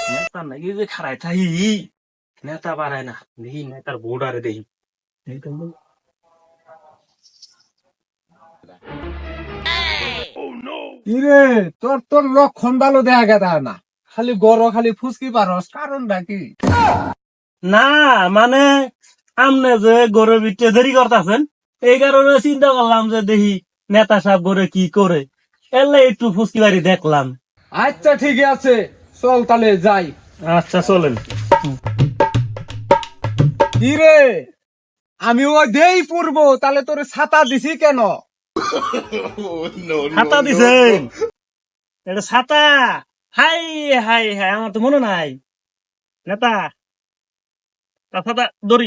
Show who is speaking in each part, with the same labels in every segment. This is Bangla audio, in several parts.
Speaker 1: নেতা নাকি যে খারাই থাই নেতা বাড়ায় না দেখি নেতার বোর্ডারে দেখি
Speaker 2: কিরে তোর তোর লক্ষণ ভালো দেখা গেছে না, খালি গড় খালি ফুসকি পারস, কারণটা কি?
Speaker 1: না মানে আমনে যে গরুর ভিতরে দেরি করতেছেন এই কারণে চিন্তা করলাম যে দেখি নেতা সাহেব গরে কি করে এলে একটু ফুসকি বাড়ি দেখলাম।
Speaker 2: আচ্ছা ঠিক আছে, চল তাহলে যাই।
Speaker 1: আচ্ছা চলেন।
Speaker 2: কিরে আমি ওই দেই পূর্ব, তাহলে তোর ছাতা দিছি কেন?
Speaker 1: ছাতা দিছেন? এটা ছাতা? হাই হাই হাই, আমার তো মনে নাই নেতা। ছাতা দড়ি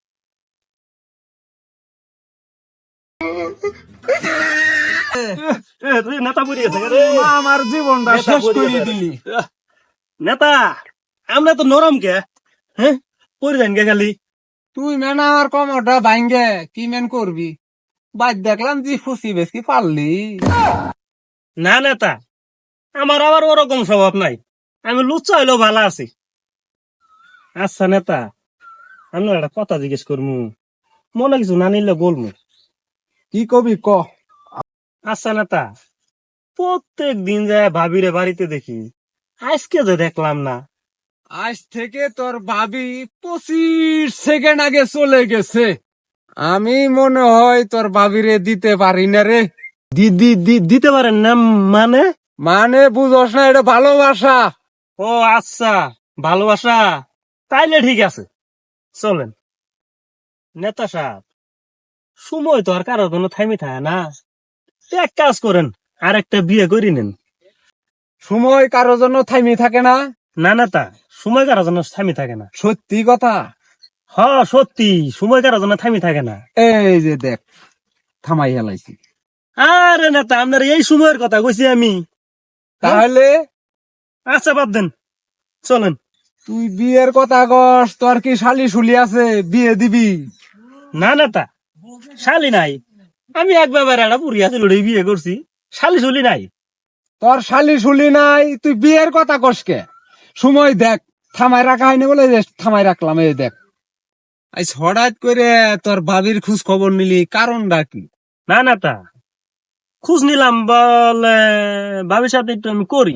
Speaker 1: নেতা পড়ে গেছে রে।
Speaker 2: আমার জীবনটা
Speaker 1: নেতা
Speaker 2: শেষ
Speaker 1: পড়ে
Speaker 2: করে
Speaker 1: গেছে।
Speaker 2: দিলি।
Speaker 1: নেতা আমরা তো নরম কে, হ্যাঁ পড়ে যান কে খালি।
Speaker 2: তুই মেন আমার কমরটা ভাঙ্গে কি মেন করবি? বাদ দেখলাম যে ফুসি বেশি পারলি।
Speaker 1: না নেতা, আমার আবার ওরকম স্বভাব নাই, আমি লুচ্চা হইলেও ভালো আছি। আচ্ছা নেতা, আমি না একটা কথা জিজ্ঞেস করবো, মনে কিছু না নিলে বলবো।
Speaker 2: কি কবি ক?
Speaker 1: আচ্ছা নেতা, প্রত্যেক দিন যায় ভাবিরে বাড়িতে দেখি, আজকে যে দেখলাম না।
Speaker 2: আজ থেকে তোর ভাবি 25 সেকেন্ড আগে চলে গেছে। আমি মনে হয় তোর ভাবিরে দিতে পারি না রে।
Speaker 1: দিতে পারেন না মানে?
Speaker 2: মানে বুঝস না, এটা ভালোবাসা।
Speaker 1: ও আচ্ছা, ভালোবাসা, তাইলে ঠিক আছে চলেন। নেতা সাহেব, সময় তো আর কারোর জন্য থামি থাকে না, এক কাজ করেন আর একটা বিয়ে করি নেন।
Speaker 2: সময় কারো জন্য থামি থাকে না।
Speaker 1: না নেতা, সময় কারোর জন্য থামি থাকে না।
Speaker 2: সত্যি কথা।
Speaker 1: হ সত্যি, সময় কারোর জন্য থামি থাকে না।
Speaker 2: এই যে দেখ, থামাই হেলাইছি।
Speaker 1: আরে নেতা, আপনার এই সময়ের কথা কইছি আমি।
Speaker 2: তাহলে
Speaker 1: আচ্ছা বাদ দেন, চলেন।
Speaker 2: তুই বিয়ের কথা কস, তোর কি শালি শুলি আছে বিয়ে দিবি?
Speaker 1: না নেতা, শালি নাই, আমি একবার একটা পুরিয়া ছিল বিয়ে করছি, শালি শুলি নাই।
Speaker 2: তোর শালি শুলি নাই, তুই বিয়ের কথা কস কে? সময় দেখ, থামাই রাখা হয়নি বলে যে থামাই রাখলাম। এই দেখ, আজ হঠাৎ করে তোর ভাবির খোঁজ খবর নিলি, কারণটা কি?
Speaker 1: না নেতা, খোঁজ নিলাম বলে ভাবির সাথে একটু আমি করি।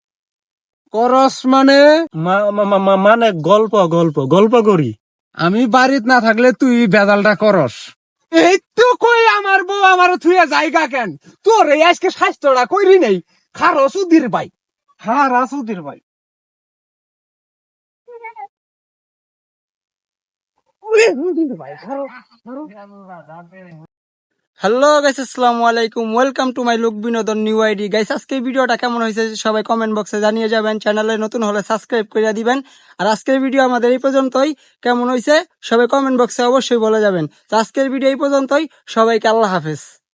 Speaker 2: করস মানে?
Speaker 1: মানে গল্প গল্প গল্প করি।
Speaker 2: আমি বাড়িত না থাকলে তুই বেদালটা করস। এই তো কই আমার বউ আমার থুয়ে জায়গা কেন? তোর এই আজকে স্বাস্থ্যটা কইরি নেই। খারো সুধীর ভাই, খারা সুধীর ভাই।
Speaker 3: হ্যালো গাইস, আসসালামু আলাইকুম, ওয়েলকাম টু মাই লুক বিনোদন নিউ আইডি। গাইস আজকে ভিডিওটা কেমন হয়েছে সবাই কমেন্ট বক্সে জানিয়ে যাবেন। চ্যানেলে নতুন হলে সাবস্ক্রাইব করে দিবেন। আর আজকের ভিডিও আমাদের এই পর্যন্তই। কেমন হয়েছে সবাই কমেন্ট বক্সে অবশ্যই বলে যাবেন। তো আজকের ভিডিও এই পর্যন্তই, সবাইকে আল্লাহ হাফেজ।